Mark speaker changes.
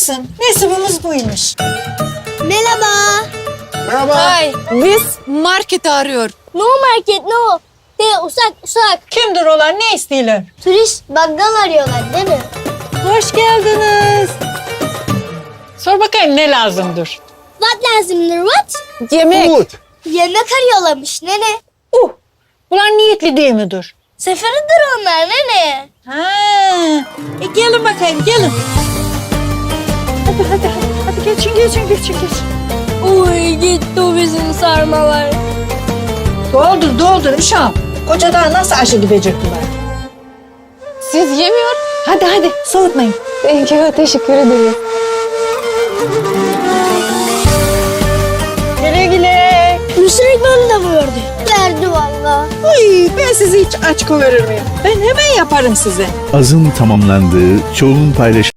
Speaker 1: olsun. Nasibimiz buymuş.
Speaker 2: Merhaba.
Speaker 3: Merhaba.
Speaker 4: Ay, biz marketi arıyor.
Speaker 2: No market no. De uzak.
Speaker 1: Kimdir olan, ne istiyorlar?
Speaker 2: Turist baggal arıyorlar değil mi?
Speaker 1: Hoş geldiniz. Sor bakayım ne lazımdır?
Speaker 2: What lazımdır what?
Speaker 4: Yemek.
Speaker 3: Food.
Speaker 2: Yemek arıyorlarmış nene.
Speaker 1: Ulan niyetli değil midir?
Speaker 2: Seferidir onlar nene.
Speaker 1: Ha, gelin bakayım, gelin. Hadi geçin.
Speaker 2: Uy gitti o bizim sarmalar.
Speaker 1: Doldur uşağım. Koca daha nasıl aşı gidecekler?
Speaker 4: Siz yemiyor.
Speaker 1: Hadi soğutmayın.
Speaker 4: Thank you, teşekkür ederim.
Speaker 1: Güle.
Speaker 2: Mısır ekmeğini de mi verdi? Verdi valla.
Speaker 1: Ay, ben sizi hiç aç koyarır mıyım? Ben hemen yaparım size.
Speaker 5: Azın tamamlandığı, çoğunun paylaşıldığı